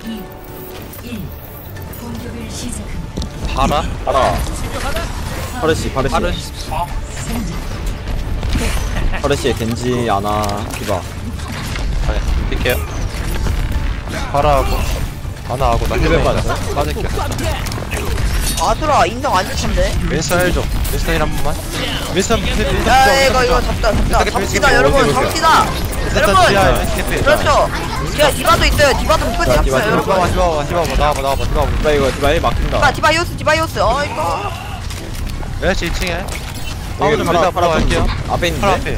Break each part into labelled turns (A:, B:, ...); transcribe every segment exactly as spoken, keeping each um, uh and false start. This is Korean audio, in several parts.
A: 공격을 시작합니다.
B: 파라?
C: 파라. 파르시, 파르시.
B: 파르시.
C: 파르시에 겐지, 아나, 디바.
B: 아니, 뛸게요. 파라하고 아나하고 나 힐백 맞았어. 맞을게.
D: 아들아 인성 안 좋던데.
B: 윈스턴 힐 좀. 윈스턴 힐 한 번만. 윈스턴 힐 윈스턴
D: 야 이거 이거 잡다 잡다 잡시다 여러분 잡시다 여러분. 그렇죠. 야 디바도 있어요. 디바도 묶고
C: 자, 디바,
D: 잡시다 여러분.
B: 디바봐 디바봐 디바봐 나와봐 나와봐 디바봐.
C: 디바 이거, 디바 일 막힌다.
D: 디바 디바이오스 디바이오스. 어 이거
B: 멜시 이 층에. 파워
C: 여기
B: 좀
C: 파라,
B: 일단
C: 파라
B: 보러 갈게요.
C: 앞에
B: 파라
C: 있는데?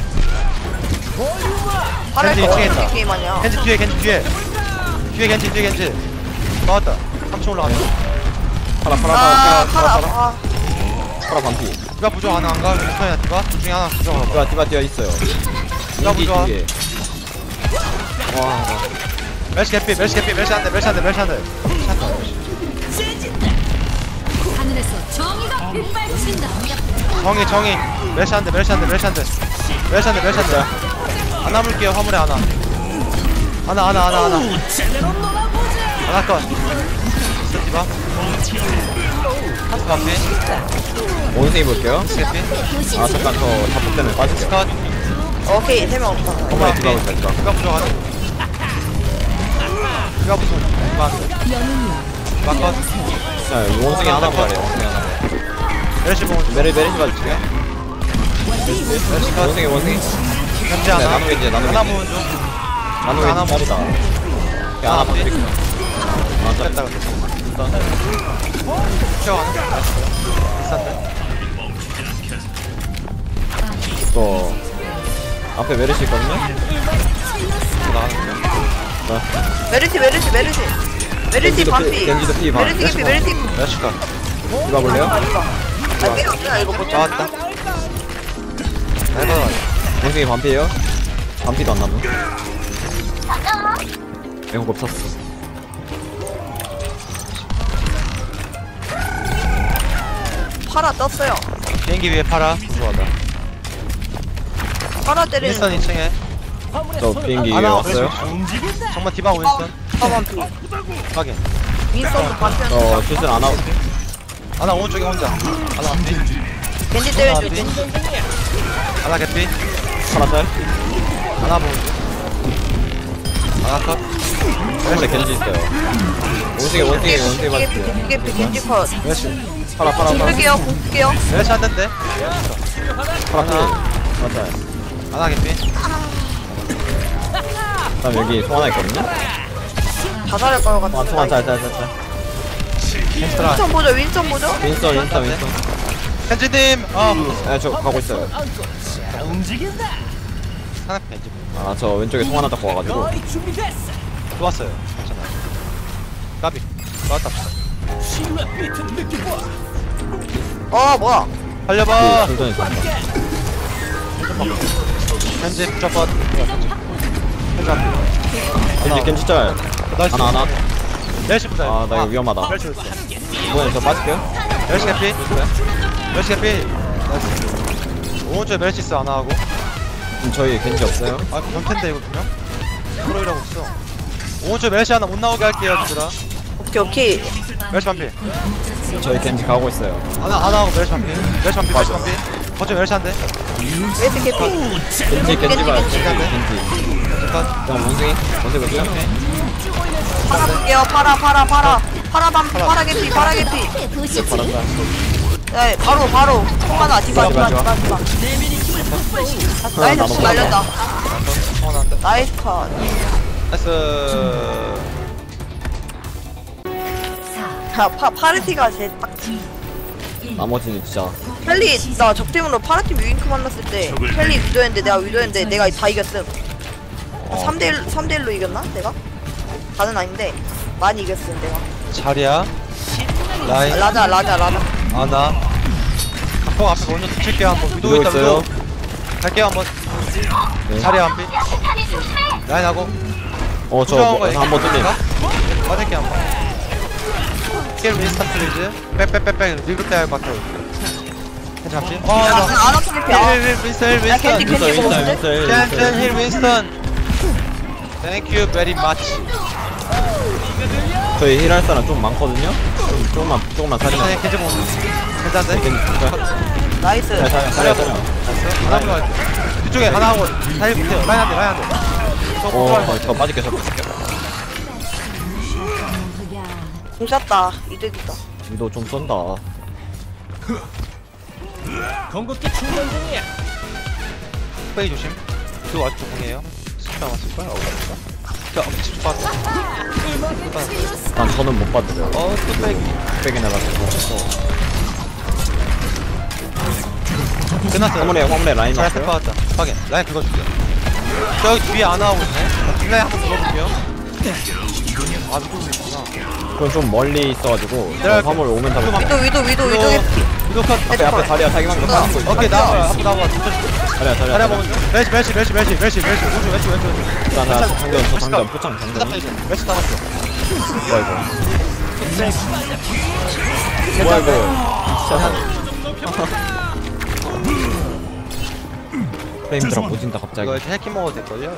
B: 앞에.
D: 팔을
B: 겐지
D: 거
B: 이 층에 있다.
D: 어떻게 게임하냐.
B: 겐지 뒤에 겐지 뒤에. 뒤에 겐지 뒤에 겐지. 나왔다. 삼 층 올라갔다.
C: 파라, 파라,
D: 아
C: 파라, 파라,
D: 팔아
C: 파라.
D: 아
C: 파라 반피.
B: 디바 부족 하나 안 가? 윈스턴이나 디바? 둘 중에 하나 부족 하나 봐.
C: 디바, 디바 뛰어 있어요.
B: 디바
C: 인기
B: 부족.
C: 두 개. 와,
B: 멜시 개피 멜시 개피 멜시 한대 멜시 한대 멜시 한대.
A: 하늘에서 정의가 빛발친다.
B: 정이 정이 멜시 한대 멜시 한대 멜시 한대 멜시 한대 멜시 한대. 안 남을게요 화물에 하나. 하나 하나 하나 하나. 하나 컷. 있어 디바. 하트 앞에.
C: 원숭이 볼게요.
B: 멜시 개피.
C: 아, 잠깐, 저 잡폭 때문에 빠질게요.
B: 컷.
D: 오케이 세 명 없다.
C: 한번에 디바 볼까, 디바.
B: 디바 부족하네. 디바 부족. 디바 디바 컷.
C: 자, 원숭이 하나 보래요, 원숭이 하나 보
B: 멜시 봉.
C: 메리, 메리시 봐줄게요.
B: 멜시 컷.
C: 원숭이, 원숭이.
B: 현재
C: 네,
B: 하나.
C: 나누 겐지, 나누
B: 하나
C: 겐지.
B: 모은 중.
C: 나누
B: 하나
C: 겐지 짤이다. 그냥 하나 봐드릴게요. 아, 짤.
B: 됐다 됐다. 튀어가네. 비싼데.
C: 또 앞에 메르시 있거든요?
B: 나가는 거.
D: 메르시 메르시 메르시 메르시
C: 겐지도
D: 반피.
C: 피, 겐지도 피 반.
D: 메르시 개피 메르시.
B: 멜시 컷.
C: 디바 볼래요?
D: 아 필요 없잖아 이거 못 잡아.
B: 나왔다. 해봐.
C: 원숭이 반피에요? 반피도 안 남은? 에고 없었어.
D: 팔아 떴어요.
B: 비행기 위에 팔아. 좋아하다.
D: 팔아 때리는.
B: 윈스턴 이 층에.
C: 저 비행기 위에
B: 하나
C: 왔어요?
B: 정말 디바 윈스턴.
D: 아 반피.
B: 확인.
D: 윈스턴도 반피.
C: 저 슛을 안 하고
B: 하나 오른쪽에 혼자. 하나 앞뒤.
D: 겐지
B: 하나
D: 때려줘.
B: 앞뒤. 하나 개피.
C: 하나 짤?
B: 하나 보는 하나 컷.
C: 한번에 겐지 있어요. 원숭이 원숭이 원숭이
D: 겐지
C: 맞을게요.
D: 개피 개피 겐지 컷.
B: 멜시.
C: 파라 파라 파라
D: 공쓸게요 공쓸게요.
B: 멜시 한 대인데.
C: 파라 필. 하나 짤.
B: 하나 개피.
C: 그다음 여기 송 하나 있거든요?
D: 다 잘할 것
C: 송
D: 같아.
C: 하나 짤짤짤짤.
B: 햄스트라.
D: 윈스턴 보자 윈스턴 보자.
C: 윈스턴 윈스턴 윈스턴.
B: 현지님. 아.
C: 네, 저 가고 있어요.
B: 하나 벤지.
C: 아, 저 왼쪽에 송 하나 잡고 와가지고.
B: 또 왔어요. 괜찮아. 까비. 나왔다.
D: 어 뭐야.
B: 살려봐.
C: 돌전이 좋다.
B: 현지 붙잡아. 현지 앞에.
C: 겐지 겐지 짤.
B: 나이스.
C: 하나 하나.
B: 멜시 부자.
C: 아, 나 이거 위험하다.
B: 멜시 부자.
C: 이번엔 저 빠질게요.
B: 멜시 개피. 멜시 개피. 나이스. 오른쪽에 멜시 있어 안 하고.
C: 지금 저희 겐지 없어요.
B: 아 변텐데 이거 분명. 프로이라고 있어. 오른쪽 멜시 하나 못 나오게 할게요, 얘들아.
D: 오케이 오케이.
B: 멜시 반피.
C: 저희 겐지 가고 있어요.
B: 하나 하나 하고 멜시 반피. 멜시 반피. 멜시 반피. 거쳐 멜시 한대.
D: 멜시 개피.
C: 겐지 겐지 봐요. 겐지 겐지.
B: 잠깐.
C: 그냥 원숭이 원숭이 볼게요.
D: 팔아 볼게요. 팔아 팔아 팔아. 팔아 반 팔아 개피 팔아 개피.
C: 바란다.
D: 네 바로 바로. 통 하나 디바 디바
C: 디바,
D: 디바 디바. 나이스 통 날렸다.
B: 성원 한대.
D: 나이스 컷.
B: 나이스.
D: 자 파 파르티가 제일 빡치.
C: 나머지는 진짜
D: 펠리 나 적팀으로 파르팀 유잉크 만났을 때 펠리 위도했는데 내가 위도했는데 내가 다 이겼음. 삼 대 일 삼 대 일로 이겼나 내가? 다는 아닌데 많이 이겼음 내가.
B: 자리야. 라인.
D: 라자 라자 라자.
B: 아나. 각폭 앞에 먼저 붙일게요 한번. 위도
C: 위도
B: 있다
C: 있어요.
B: 위도. 갈게요 한번.
C: 네.
B: 자리야 한비. 라인 하고.
C: 어저 뭐, 한번 뚫림.
B: 맞을게 한번. 스킬 윈스턴 플리즈. 백백백백 리그때 할 것 같아. 괜찮지? 어,
D: 안 아프게 피. 아,
B: 힐 윈스턴
D: 야, 겐지,
B: 윈스턴.
D: 겐지.
C: 윈스턴 윈스턴 윈스턴.
B: 짠짠 힐 윈스턴. Thank you very much.
C: 저희 힐할 사람 좀 많거든요? 좀, 조금만, 조금만 살리면.
B: 괜찮아 겐지 보는 괜찮은데?
C: 겐지 진짜.
D: 나이스.
C: 잘 살려, 살려, 살려.
B: 하나 보고 뒤쪽에 하나 하고 다리 붙여요. 라인 한대 라인 한대 저
C: 오,
B: 공부할
C: 어, 저 빠질게, 저 빠질게.
D: 공 쐈다. 이득이다.
C: 위도 좀 쏜다.
B: 빼기 조심. 그거 아직도 공이에요. 스피 남았을 거야. 어디가? 자, 집중 봤어.
C: 난 저는 못 받으려.
B: 어, 또 빼기.
C: 빼기 나가서.
B: 끝났어요.
C: 화물에, 화물에 라인
B: 잘
C: 왔어요.
B: 받았다. 확인. 라인 긁어줄게요. 저기 뒤에 안 나오고 있네. 뒷라인 한번 긁어볼게요. 아, 누구 있구나.
C: 그건 좀 멀리 있어가지고.
B: 내려갈게.
C: 화물 오면 다
B: 위도
C: 못.
D: 위도 위도 위도 위도 개피.
B: 위도 컷.
C: 앞에, 앞에 다리야, 자기만 좀 빠진 거 있어.
B: 오케이, 나와봐. 한번 나와봐.
C: 다리야,
B: 다리
C: 다리야.
B: 한번 멜시, 멜시, 멜시, 멜시, 멜시, 멜시. 오른쪽, 왼쪽, 왼쪽, 왼쪽.
C: 나, 나, 장전, 저 장전, 포창, 장전.
B: 멜시 남았어.
C: 뭐야, 이거. 뭐야, 이거. 프레임 드랍 오진다, 갑자기.
B: 이거 이렇게 해킹 먹어도 될걸요?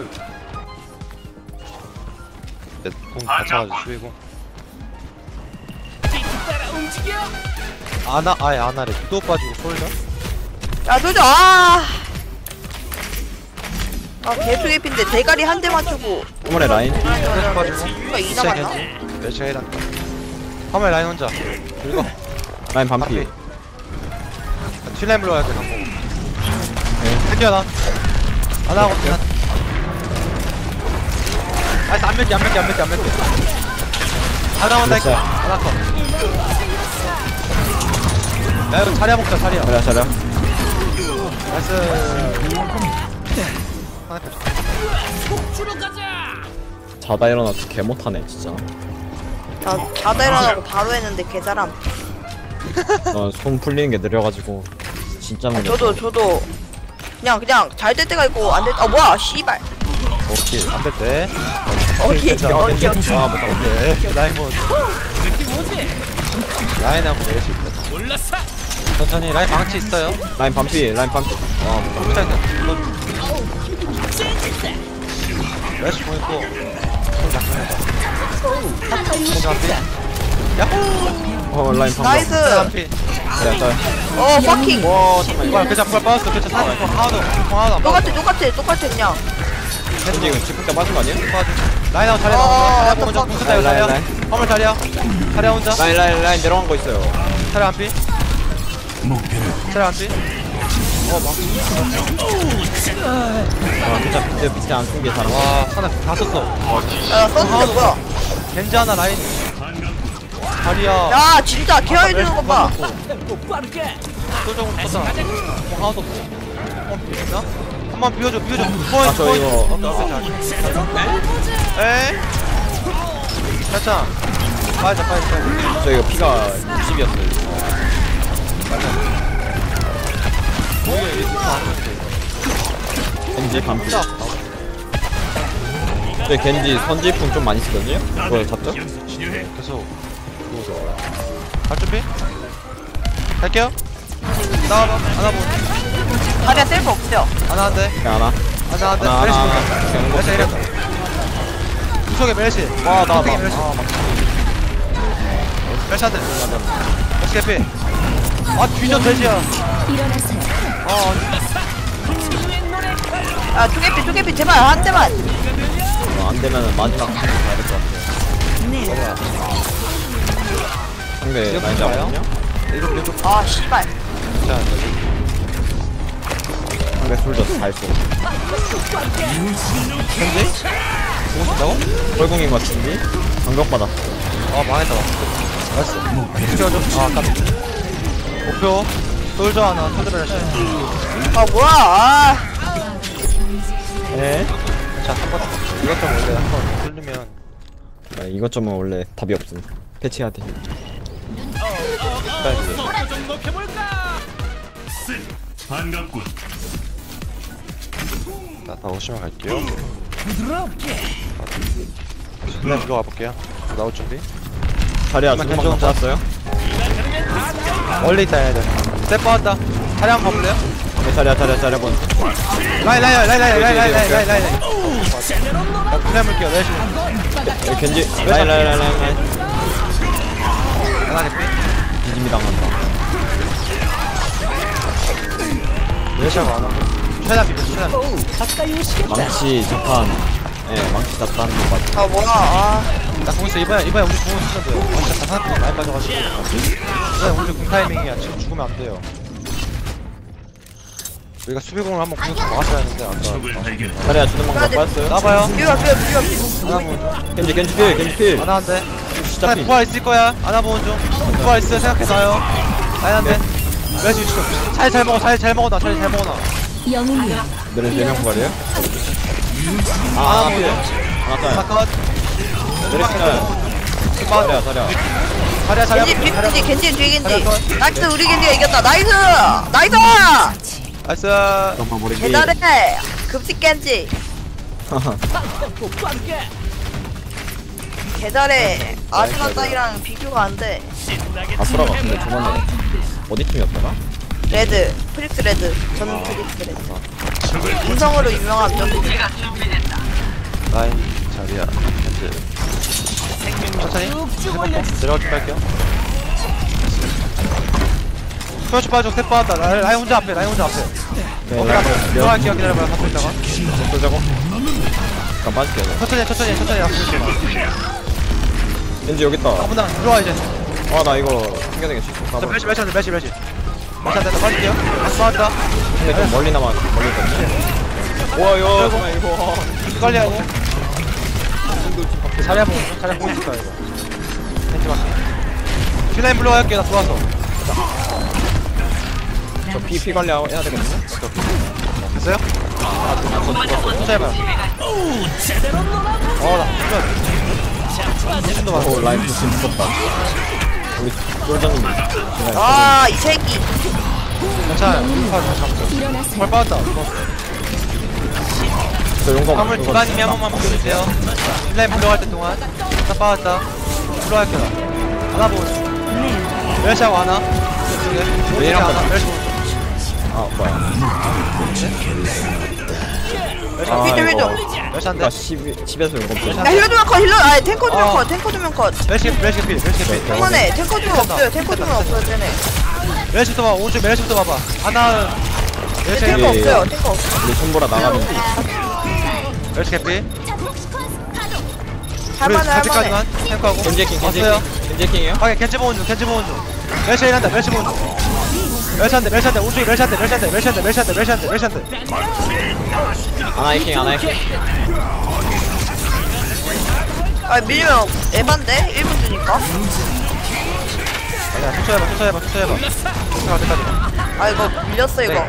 B: 네, 공 받쳐가지고 수비고. 아나, 아예 아나래. 위도 빠지고 솔져?
D: 야 조져. 아. 아 개수 개피인데 대가리 한 대 맞추고.
C: 화물에 라인.
B: 계속 빠지고.
D: 누가 이 남았나?
B: 멜시가 일한다. 화면 라인 혼자. 그리고
C: 라인 반피.
B: 틸라인 불러야 돼, 방금. 드디어 나. 안 하고 그냥. 아니, 안 맺게, 안 맺게, 안 맺게, 안 맺게. 안 나온다, 이거. 안 할거. 야, 이거 자리야 먹자, 자리야.
C: 자리야, 자리야.
B: 나이스. 하나 더.
C: 자다 일어나서 개 못하네, 진짜.
D: 자 자다 일어나고 바로 했는데 개잘함.
C: 나손 풀리는 게 느려가지고. 진짜 느려.
D: 저도 저도 그냥 그냥 잘 될 때가 있고 안 될 때. 아 뭐야 씨발.
C: 오케이.
B: 안 됐대.
D: 어디 어디 어디.
C: 아, 못다
B: 오케이. 라인 뭐. 라인하고 내릴 수 있다. 천천히, 라인 방치 있어요.
C: 라인 반피, 라인 반피. 아, 못다.
B: 못하겠다. 래쉬 보이고. 손 작성해봐. 손 잡히. 야호!
C: 어, 라인 반피.
D: 나이스.
B: 잡히.
C: 자리야, 자리야.
D: 어 퍼킹.
C: 와, 잠깐만.
B: 이거 그자 그걸 빠졌어. 그자 사진 거 하나도 하나도 안
D: 똑같아 똑같아 똑같아 그냥.
C: 현지 이거 집국자 빠진 거 아니야?
B: 빠져. 라인하고 자리야.
D: 어,
B: 자리야 먼저
D: 어떡하-
B: 붙었다 이거
C: 라인,
B: 자리야.
C: 라인.
B: 화물 자리야. 자리야 혼자.
C: 라인, 라인, 라인 내려간 거 있어요.
B: 자리야 안 삐. 자리야 안 삐. 어 막.
C: 아, 진짜 밑에, 밑에 안 쓴 게 잘한 거.
B: 와 하나 다 썼어.
D: 야 썼는데 뭐야.
B: 겐지 하나 라인. 자리야.
D: 야 진짜 케어해 주는 거 봐.
B: 소정은 떴다. 하나도 없어. 한번 비워주나? 한번 비워줘 비워줘.
C: 아, 저 이거.
B: 에? 괜찮아. 빠져 빠져 빠져.
C: 저 이거 피가 육십이었어요. 겐지 반피. 저희 겐지 선지풍 좀 많이 쓰거든요? 그거 잡죠?
B: 계속 갈 준비? 갈게요. 나와봐. 하나 보.
D: 다리야 셀프 없어요.
B: 하나 한대.
C: 그냥 하나.
B: 하나 한대.
C: 하나,
B: 메르시
C: 하나,
B: 볼까?
C: 하나. 그냥
B: 메르시 이래. 구석에 메르시.
C: 와, 나,
B: 구석에
C: 나.
B: 메르시.
C: 아, 막.
B: 메르시 한대. 메르시 개피. 아 뒤져 돼지야.
A: 일어나세요.
B: 아
D: 야 투개피 투개피 제발 한 대만.
C: 어, 안 되면은 마지막 한 번 가야 될 것 같아요. 상대
B: 지금
C: 많이
B: 봐요?
C: 잡았거든요?
B: 이거 이거.
D: 아 씨발.
B: 자
C: 상대 솔저 다 했어.
B: 현재? 보고 싶다고?
C: 뻘궁인 것 같은데? 반격받았어.
B: 아 망했다. 알았어. 찍어줘. 아 아깝다. 목표. 솔저 하나. 솔저 메르시.
D: 아 뭐야. 아.
C: 네?
B: 자 한번 이것 좀 원래 한번 뚫리면.
C: 아, 이것저것 원래 답이 없음. 패치해야 돼.
E: 반갑군.
B: 자, 다 오시면 갈게요. 그냥 들어가 볼게요. 나올 준비.
C: 자리야,
B: 잠깐만,
C: 주방
B: 괜찮아.
C: 잡았어요?
B: 멀리 있다 해야 돼. 스텝 빠졌다. 차량 한번 가볼래요?
C: 네, 자리야, 자리야, 자리야, 본.
B: 라인 라인 라인 라인 라인 라인 라인 라인 라인 라인. 나 그냥 물게요. 내시.
C: 네, 겐지. 라인, 라인, 라인, 라인, 라인.
B: 하나 개피.
C: 뒤짐이 당한다.
B: 메르시아가 안 하고. 최대한 비벼, 최대한.
C: 망치 자판. 예, 망치 자판 것 같아.
D: 아 뭐야 아
B: 나 공 있어. 이번에, 이번에 우리 공을 쓰면 돼요. 아, 진짜 다 사람들이 많이 빠져가지고. 이번에 우리 공 타이밍이야. 지금 죽으면 안 돼요. 우리가 수비공을 한번 공격 막았어야 했는데, 아까.
E: 적을 발견.
C: 자리야 주는 방법 빠졌어요?
B: 나봐요.
D: 비벼 비벼 비벼 비벼
B: 하나 보는 중.
C: 겐지 겐지 필 겐지 필.
B: 하나 한 대.
C: 진짜
B: 하나
C: 필.
B: 부활 있을 거야. 하나 보는 중. 부활 있어. 생각해놔요. 라인 한 대. 메르시 위치 좀. 잘, 잘 먹어. 잘, 잘 먹어놔. 잘, 잘 먹어놔.
A: 영웅이여
C: 너네 네명 부활이에요? 아
B: 하나
C: 하나 필.
B: 보여.
C: 하나
B: 하나
C: 딸.
B: 컷.
C: 내리시 딸. 자리야 자리야.
B: 자리야, 자리야.
D: 겐지 뒤 겐지 겐지 뒤 겐지
B: 잘했어.
D: 나이스 우리 겐지가 이겼다 나이스 나이스
B: 나이스.
C: 잠깐만 모르기.
D: 대단해 급식 겐지 개잘해 아즈마 따이랑 비교가 안돼
C: 아수라가 근데 저번에 어디 팀이었더라?
D: 레드 프릭스 레드 저는 프릭스 레드 인성으로 유명한 점
B: 라인 자리야. 현재. 천천히. 해먹고 내려갈 준비할게요. 스포츠 빠져. 스텝 빠졌다. 라인, 라인 혼자 앞에. 라인 혼자 앞에.
C: 네,
B: 어,
C: 라인
B: 들어갈게요. 기다려봐요. 갖고 있다가.
C: 쏠자고. 잠깐 빠질게요.
B: 천천히, 천천히, 천천히. 갖고 있어.
C: 겐지 여기 있다.
B: 아무나 들어와 이제.
C: 아 나 이거 생겨내기 싫어.
B: 자,
C: 가봐.
B: 멜시, 멜시, 멜시, 멜시, 멜시. 멜시 안 된다. 빠질게요. 다시 빠졌다.
C: 근데 좀 멀리 남아 멀리 있거든요. 와 이거 잠깐만 이거.
B: 빨리 하고. 자리 한번 자리 한번 있을까 이거. 벤치 맞게. 킬라인 불러갈게. 나 좋아서.
C: 저 피 피 관리 해야 되거든요.
B: 됐어요? 혼자 해봐요. 어나 진짜.
C: 오 라인 부심 무섭다. 우리 쫄장님.
D: 아이 새끼
B: 괜찮아요. 팔 잡았어. 팔 빠졌다.
C: 저 용감.
B: 화물 두간님이 한 번만 보여주세요. 킬라인 불러갈 때 동안. 다 빠졌다. 불러갈게 나. 하나 보고. 멸시하고 하나. 이쪽에.
C: 얘랑
B: 하나.
C: 같이.
B: 멸시 보고.
C: 아 뭐야.
B: 멸시
C: 아
B: 한 대.
D: 힐 좀.
B: 멸시 한 대.
C: 나 십에서 용감 좀.
D: 야 힐러 두명 컷 힐러 아니 탱커 두명
B: 어.
D: 컷 탱커 두명 컷
B: 멸시 멸시 필. 멸시 필.
D: 그만해 탱커 두명 없어요 탱커 두명 없어요 쟤네
B: 멸시부터 봐. 오른쪽 멸시부터 봐봐. 하나. 멸시
D: 탱커
C: 예, 예.
D: 없어요 탱커 없어
C: 우리 손보라 나가면
B: 멸시 개피.
D: 할만해 할만해
B: 까지만 탱크하고.
C: 겐지 해킹 겐지
B: 왔어요.
C: 해킹 겐지 해킹이에요?
B: 하게 겐지 보는 중. 겐지 보는 중. 멸시 일한다. 멸시 보는 중. 멸시 한 대. 멸시 한 대. 오른쪽에 멸시 한 대. 멸시 한 대. 멸시 한 대. 멸시 한 대. 멸시 한 대. 멸시 한 대.
C: 하나 해킹 하나 해킹.
D: 아 밀리면 에반데 일 분 주니까
B: 아니야. 초초해봐. 초초해봐. 초초해봐. 초초할 때까지.
D: 아 이거 밀렸어 이거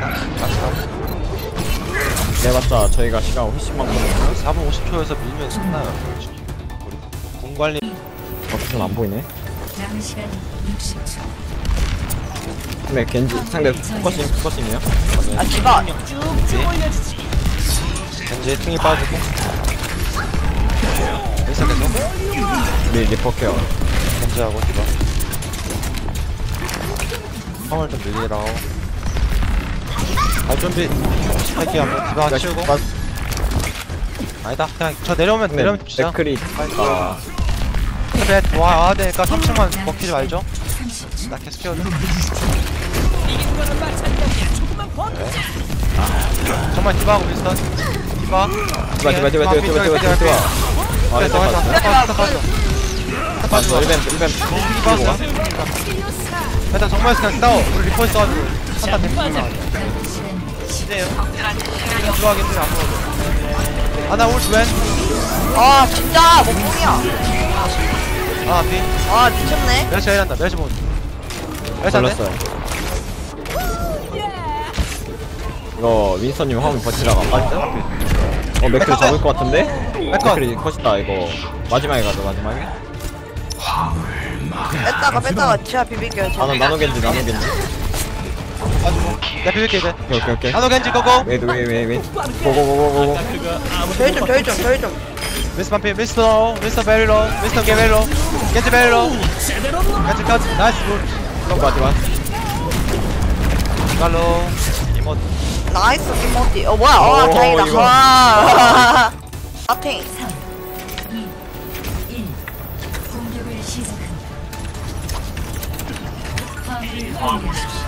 C: 내봤자 저희가 시간 훨씬 많거든요.
B: 사 분 오십 초에서 밀면 끝나요. 우리 공관리.
C: 어떻게 안 보이네.
A: 남은 시간 육십 초
C: 근데 겐지 상대 포커싱 포커싱이에요?
D: 아 디바
B: 겐지 퉁이 빠지고. 됐어 계속.
C: 우리 리퍼 케어.
B: 겐지하고 디바. 화물 좀 밀리라고. 갈 준비. 할게요. 한번 디바 치우고.
C: 빠-
B: 아니다. 그냥 저 내려오면
C: 근데
B: 내려오면 진짜.
C: 맥크리. 아
B: 배 와야 되니까 삼 층만 먹히지 말죠. 나 계속 키워줘. 네. 정말 디바하고 비슷한 디바.
C: 디바 디바 디바 디바 디바 디바 디바 디바. 아
B: 됐어
C: 됐어
B: 됐어.
C: 됐어.
B: 됐어 됐어.
C: 맞어
B: 빠져.
C: 일벤 일벤.
B: 디바 왔어. 일단 정말 그냥 싸워. 우리 리포 있어가지고 한타 대충 이제요. 좋아하긴 해. 안 먹어도. 아나 올 웬?
D: 아 진짜 몸통이야
B: 아 비.
D: 아 미쳤네
B: 멸시 일한다. 멸시 본. 멸시 안 돼?
C: 걸렸어요. 이거 윈스턴님 화면 버티다가 빠졌죠? 어 맥크리 잡을 것 같은데? 맥크리 컷이다 이거 마지막에 가자 마지막에.
D: 뺐다가 뺐다가 지하 비빌게요
C: 나노 나노 겐지 나노 겐지.
B: 가지고. 내가 비빌게 이제.
C: 오케이 오케이 오케이.
B: 나노 겐지 고고.
C: 웨이트 웨이트 웨이트. 고고고고고.
D: 저희 좀 저희 좀 저희 좀
B: 미스터 반피. 미스터 미스터 베리로. 미스터 게베리로. 겐지 베리로. 겐지 컷. 나이스 굿.
C: 디바 디바.
B: 갈로. 이모.
D: 나이스 김모티 어 뭐야 어
C: 오,
D: 다행이다
C: 이거.
D: 와 아탱
A: 일 공격을 시작한다 화물을 공유하십시오.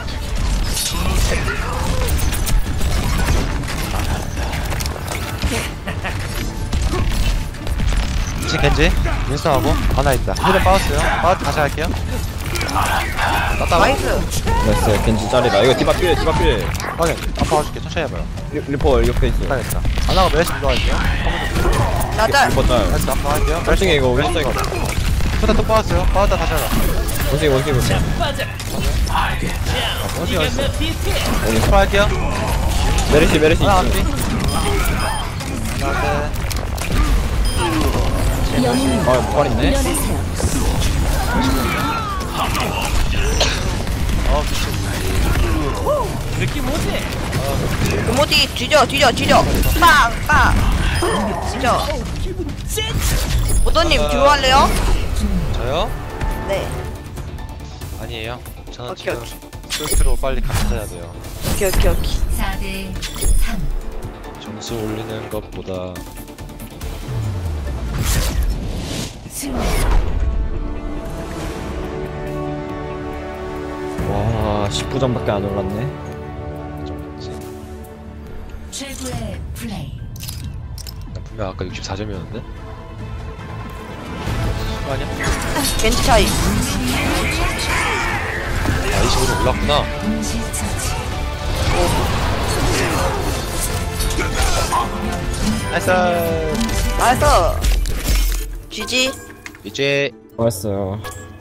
B: 지 겐지 윈스턴하고 하나 있다. 힐은 빠졌어요. 빠 다시 할게요. 나따가
D: 나이스.
C: 나이스 겐지 짤이다. 이거 디바 필 디바 필.
B: 확인. 아파 가줄게. 천천히 해봐요.
C: 리- 리퍼 옆에 있어.
B: 못하겠다. 하나가 메르시 들어갈게요.
D: 나짤.
C: 리퍼 짤.
B: 메르시 앞으로 할게요.
C: 짤 중에 이거 윈스턴 이거.
B: 초다 또 빠졌어요. 빠졌다 다시 하라.
C: 원숭이 원숭이 원숭이.
B: 원숭이 어딨어?
C: 원숭이.
B: 스파 할게요.
C: 메르시 메르시
B: 하나
C: 있어.
B: 앞뒤. 하나
C: 아 부활 있네.
B: 어 미친.
D: 금오디 뒤져 뒤져 뒤져. 빵 빵. 뒤져. 오더님 뒤로 할래요?
B: 저요?
D: 네.
B: 아니에요. 저는
D: 오케이,
B: 지금
D: 오케이.
B: 스스로 빨리 감싸야 돼요.
D: 오케이 오케이 오케이.
A: 사 대 삼.
B: 점수 올리는 것보다
A: 승리.
C: 와 십구 점밖에 안 올랐네.
B: 좀 있지.
A: 최고의 플레이.
B: 나 분명 아까 육십사 점이었는데? 아니야?
D: 겐지 차이.
B: 아 이십으로 올랐구나.
A: 동시처치.
B: 나이스.
D: 나이스. 지지.
B: 이제
C: 고맙어요.